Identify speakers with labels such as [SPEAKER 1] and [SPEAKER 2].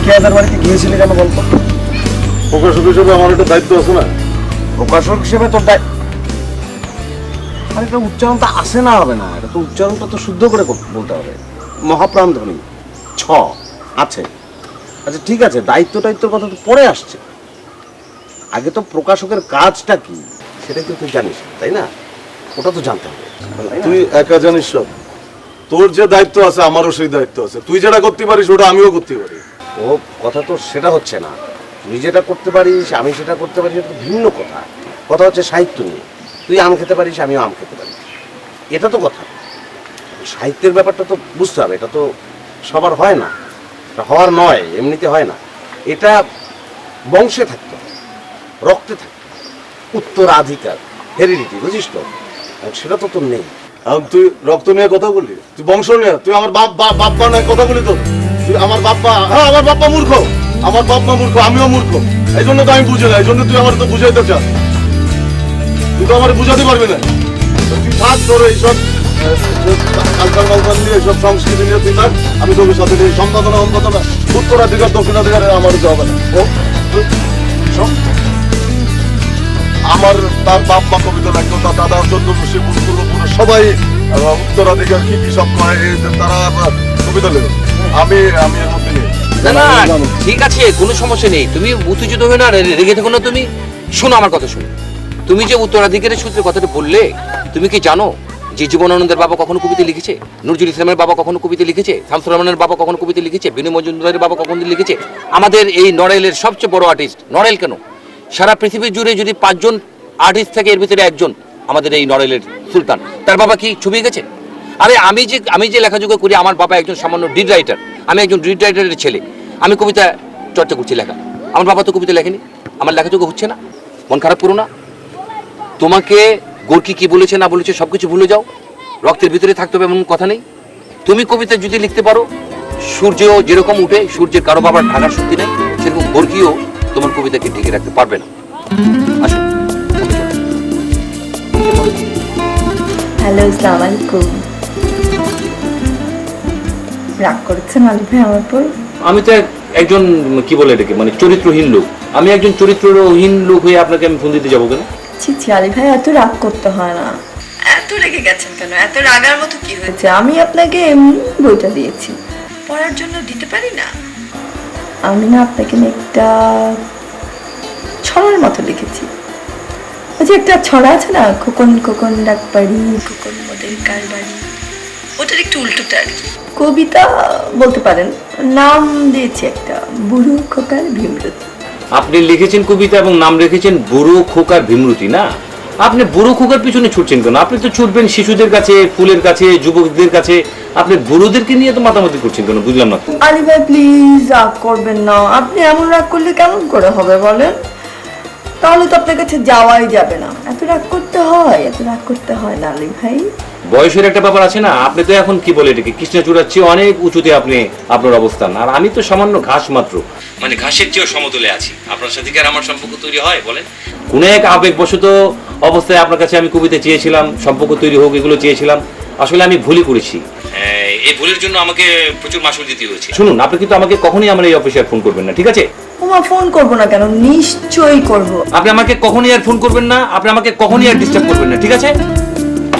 [SPEAKER 1] খেয়াদের বাড়িতে গিয়েছিলি কেন বলতো?
[SPEAKER 2] প্রকাশক হিসেবে আমার একটা দায়িত্ব আছে না?
[SPEAKER 1] প্রকাশক হিসেবে তোর আরে এটা উচ্চারণটা আসে না হবে না, এটা তো উচ্চারণটা তো শুদ্ধ করে বলতে হবে। মহাপ্রাণ ধ্বনি ছ আছে। আচ্ছা ঠিক আছে, দায়িত্বের কথা তো পরে আসছে, আগে তো প্রকাশকের কাজটা কি সেটা তো তুই জানিস তাই না? ওটা তো জানতে হবে।
[SPEAKER 2] তুই একা জানিস সব? তোর যে দায়িত্ব আছে আমারও সেই দায়িত্ব আছে। তুই যেটা করতে পারিস ওটা আমিও করতে পারি।
[SPEAKER 1] ও কথা তো সেটা হচ্ছে না, তুই যেটা করতে পারিস আমি সেটা করতে পারি, এটা তো ভিন্ন কথা। কথা হচ্ছে সাহিত্য নিয়ে, তুই আম খেতে পারিস আমিও আম খেতে পারি, এটা তো কথা। সাহিত্যের ব্যাপারটা তো বুঝতে হবে, এটা তো সবার হয় না, এটা হওয়ার নয়, এমনিতে হয় না। এটা বংশে থাকতে হয়, রক্তে থাকতে হয়, উত্তরাধিকার, হেরিডিটি, বুঝিস তো? সেটা তো তোর নেই।
[SPEAKER 2] এখন তুই রক্ত নিয়ে কথা বললি, তুই বংশ নিয়ে, তুই আমার বাপ্পা নিয়ে কথা বলি তো? তুই আমার বাপ্পা, হ্যাঁ আমার বাপ্পা মূর্খ, আমার বাপ্পা মূর্খ, আমিও মূর্খ, এই জন্য তো আমি বুঝি না, এই জন্য তুই আমার তো বুঝাইতে চাস। তুই তো আমার বুঝাতে পারবি না। তুই থাক, তোর এইসব কালচার মালচার নিয়ে, এইসব সংস্কৃতি নিয়ে তুই থাক, আমি তোর সাথে নিয়ে সম্পাদনা অন্ততনা উত্তরাধিকার দক্ষিণাধিকারে আমার দিতে হবে না। ও শোন, আমার তার বাপ মা কবিতা লাগতো, তার দাদা চন্দ্রপুষী পূর্বপুরুষ সবাই উত্তরাধিকার কি কি সব করে তারা কবিতা লেখে। আমি এর মধ্যে নেই।
[SPEAKER 3] না না ঠিক আছে, কোনো সমস্যা নেই, তুমি উত্তেজিত হয়ে না, রেগে থেকো না। তুমি শোনো আমার কথা, শোনো। তুমি যে উত্তরাধিকারের সূত্রে কথাটা বললে, তুমি কি জানো যে জীবনানন্দের বাবা কখনো কবিতা লিখেছে? নজরুল ইসলামের বাবা কখনো কবিতা লিখেছে? শামসুর রহমানের বাবা কখনো কবিতা লিখেছে? বিনয় মজুমদারের বাবা কখনো লিখেছে? আমাদের এই নড়াইলের সবচেয়ে বড় আর্টিস্ট, নড়াইল কেন, সারা পৃথিবী জুড়ে যদি 5 জন আর্টিস্ট থাকে এর ভিতরে একজন আমাদের এই নড়াইলের সুলতান, তার বাবা কি ছবি গেছে? আরে আমি যে লেখাযোগ্য করি, আমার বাবা একজন সামান্য ডিড রাইটার, আমি একজন ডিড রাইটারের ছেলে, আমি কবিতা চর্চা করছি, লেখা। আমার বাবা তো কবিতা লেখেনি, আমার লেখাযোগ্য হচ্ছে না, মন খারাপ করো না। তোমাকে গোর্কি কি বলেছে না বলেছে সবকিছু ভুলে যাও, রক্তের ভিতরে থাকতে হবে এমন কথা নেই। তুমি কবিতা যদি লিখতে পারো, সূর্য যেরকম উঠে, সূর্যের কারো বাবার ঢাকার শক্তি নেই, সেরকম গোর্কিও তোমার কবিতাকে ঢেকে রাখতে পারবে না। আসো।
[SPEAKER 4] হ্যালো, আসসালামু আলাইকুম। রাগ করছেন আলী ভাই আমার উপর?
[SPEAKER 3] আমি তো একজন কি বলে এটাকে, মানে চরিত্রহীন লোক, আমি একজন চরিত্রহীন লোক হয়ে আপনাকে আমি ফোন দিতে যাবো কেন?
[SPEAKER 4] ছি ছি আলী ভাই, এত রাগ করতে হয় না। এত রেগে গেছেন কেন? এত রাগার মতো কি হয়েছে? আমি আপনাকে এমনি বইটা দিয়েছি, পড়ার জন্য দিতে পারি না? আমি না আপনাকে একটা ছড়ার মতো লিখেছি। ওই যে একটা ছড়া আছে না, খোকন খোকন ডাক বাড়ি, খোকন মোদের কার বাড়ি, ওটার একটু উল্টোটা আর কি। কবিতা বলতে পারেন, নাম দিয়েছি একটা, বুড়ো খোকার ভীমরতি।
[SPEAKER 3] আপনি লিখেছেন কবিতা এবং নাম রেখেছেন বুড়ো খোকার ভীমরতি। না, আপনি বুড়ো খোকার পিছনে ছুটছেন কেন? আপনি তো ছুটবেন শিশুদের কাছে, ফুলের কাছে, যুবকদের কাছে, আপনি বুড়োদেরকে নিয়ে তো মাতামাতি করছেন কেন? বুঝলাম না।
[SPEAKER 4] আলী ভাই প্লিজ রাগ করবেন না, আপনি এমন রাগ করলে কেমন করে হবে বলেন? তাহলে তো আপনার কাছে যাওয়াই যাবে না। এত রাগ করতে হয়, এত রাগ করতে হয় না আলী ভাই।
[SPEAKER 3] বয়সের একটা ব্যাপার আছে না, আপনি তো এখন কি বলে এটাকে, কৃষ্ণচূড়ার চেয়ে অনেক উঁচুতে আপনি আপনার অবস্থান, আর আমি তো সামান্য ঘাস মাত্র, মানে ঘাসের চেয়েও সমতলে আছি। আপনার সাথে কি আর আমার সম্পর্ক তৈরি হয় বলেন? কোন এক আবেগবশত অবস্থায় আপনার কাছে আমি কবিতা চেয়েছিলাম, সম্পর্ক তৈরি হোক এগুলো চেয়েছিলাম, আসলে আমি ভুলই করেছি। এই ভুলের জন্য আমাকে প্রচুর মাসুল দিতে হয়েছে। শুনুন, আপনি কিন্তু আমাকে কখনোই আমার এই অফিসে ফোন করবেন না, ঠিক আছে?
[SPEAKER 4] ওমা, ফোন করবো না কেন? নিশ্চয়ই করবো।
[SPEAKER 3] আপনি আমাকে কখনোই আর ফোন করবেন না, আপনি আমাকে কখনোই আর ডিস্টার্ব করবেন না, ঠিক আছে?